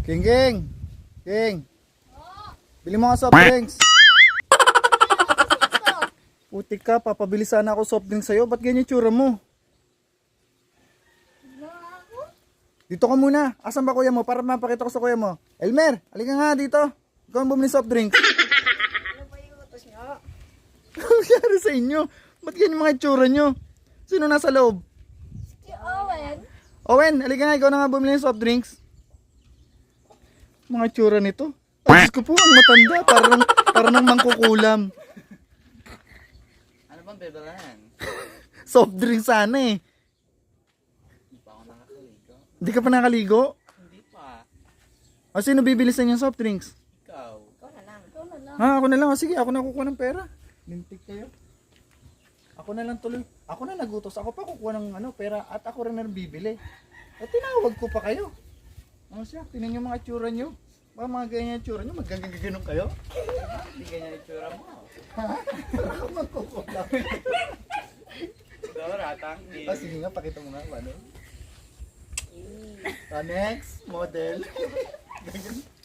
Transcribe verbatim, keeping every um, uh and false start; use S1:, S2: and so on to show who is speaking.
S1: King King! King! Bili mo nga soft drinks. Putik ka, papabili sana ako soft drinks sa'yo. Ba't ganyan yung tsura mo? Dito ka muna. Asan ba kuya mo? Para mapakita ko sa kuya mo. Elmer, halika nga dito. Ikaw ang bumili soft drinks.
S2: Ano ba yung utos nyo?
S1: Ano nangyari sa inyo? Ba't ganyan yung mga itsura nyo? Sino nasa loob?
S2: Si Owen.
S1: Owen, halika nga. Ikaw na nga bumili ng soft drinks. Mga itsura nito. Ay, Diyos ko po, ang matanda. Parang, parang nang mangkukulam.
S3: Ano bang bebelahan?
S1: Soft drinks sana eh.
S3: Hindi pa ako nakakaligo.
S1: Hindi ka pa nakaligo?
S3: Hindi pa.
S1: O sino bibili sa inyo ng soft drinks?
S3: Ikaw.
S2: Ikaw na lang. Ikaw na lang.
S1: Ha, ako na lang. O, sige, ako na kukuha ng pera. Lintik kayo. Ako na lang tuloy. Ako na nagutos. Ako pa kukuha ng ano, pera at ako rin na bibili. At tinawag ko pa kayo. O siya, tinan nyo mga tsura nyo. Baka mga ganyan yung tsura nyo, magagaganon kayo.
S3: Hindi ganyan yung tsura mo.
S1: Ha? Para ako magkukulam.
S3: Ikaw ratang.
S1: Ah, sige nga, pakita mo nga. Ano? Ah, next, model. Ganyan.